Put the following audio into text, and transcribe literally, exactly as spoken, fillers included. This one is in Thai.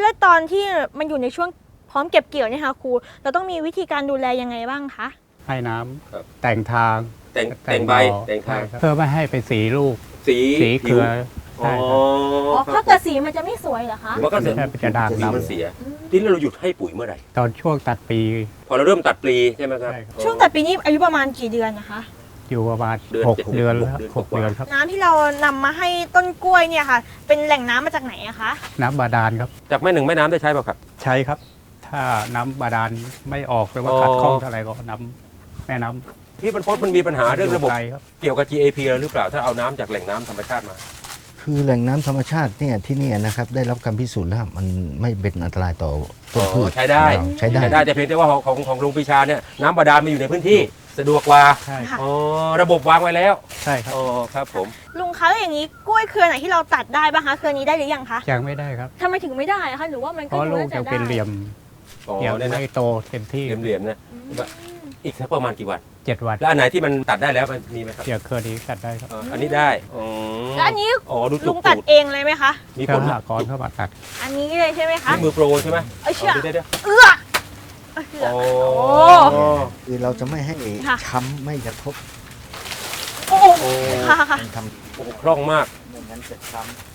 แล้วตอนที่มันอยู่ในช่วงพร้อมเก็บเกี่ยวเนี่ยค่ะครูเราต้องมีวิธีการดูแลยังไงบ้างคะให้น้ครับำแต่งทางแต่งแต่งใบหน่อแต่งทางใช่ครับเพื่อไม่ให้ไปสีลูกสีสีเครืออ๋อใช่ครับอ๋อถ้าเกิดสีมันจะไม่สวยเหรอคะมันก็เสียใช่มันจะด่างสีดำมันเสียทีนี้เราหยุดให้ปุ๋ยเมื่อไหร่ตอนช่วงตัดปีพอเราเริ่มตัดปลีใช่ไหมครับใช่ครับช่วงตัดปีนี้อายุประมาณกี่เดือนนะคะอยู่ประมาณเดือนหกเจ็ดเดือนหกแล้วเดือนหกกว่าเดือนครับน้ำที่เรานำมาให้ต้นกล้วยเนี่ยค่ะ เป็นแหล่งน้ำมาจากไหนอะคะน้ำบาดาลครับจากแม่หนึ่งแม่น้ำได้ใช้ป่ะครับใช้ครับ ถ้าน้ำบาดาลไม่ออกหรือว่าอ๋อขัดข้องเท่าไหร่ก็น้ำแม่น้ำที่มันพบมันมีปัญหาเรื่องระบบไกลครับเกี่ยวกับ จี เอ พี แล้วหรือเปล่าถ้าเอาน้ำจากแหล่งน้ำธรรมชาติมาคือแหล่งน้ำธรรมชาติเนี่ยที่เนี่ยนะครับได้รับการพิสูจน์แล้วมันไม่เป็นอันตรายต่อต้นพืชใช้ได้ใช้ได้ใช้ได้แต่เพียงแต่ว่าของของของลุงปรีชาเนี่ยน้ำบาดาลมาอยู่ในพื้นที่สะดวกกว่าใช่ครับอ๋อระบบวางไว้แล้วใช่ครับอ๋อครับผมลุงคะแล้วอย่างนี้กล้วยเครือไหนที่เราตัดได้บ้างคะเครือนี้ได้หรือยังคะยังไม่ได้ครับทำไมถึงไม่ได้อะคะหรือว่ามันเพก็ราะดูลูกน่าจะยังได้เป็นเหลี่ยมอ๋อยังเนี่ยนะไม่โตเต็มที่เหลี่ยมๆนะอีกสักประมาณกี่วันเจ็ดวันแล้วอันไหนที่มันตัดได้แล้วมันมีไหมครับเดี๋ยวเครือนี้ตัดได้ครับอ๋ออันนี้ได้อ๋อแล้วอันนี้อ๋อดูลุจุงกตัดตูดเองเลยไหมคะมีเคผรือลหากรเข้ามาตัดอันนี้เลยใช่ไหมคะนี่มือโปรใช่ไหมเอ้ยเชื่อเดี๋ยวเดี๋ยวเอื้อเอื้อโอ้โอ้คือเราจะไม่ให้ค่ะช้ำไม่กระทบโอ้โอ้ค่ะค่ะมันทโอ้คล่องมากำไม่งั้นจะช้ำ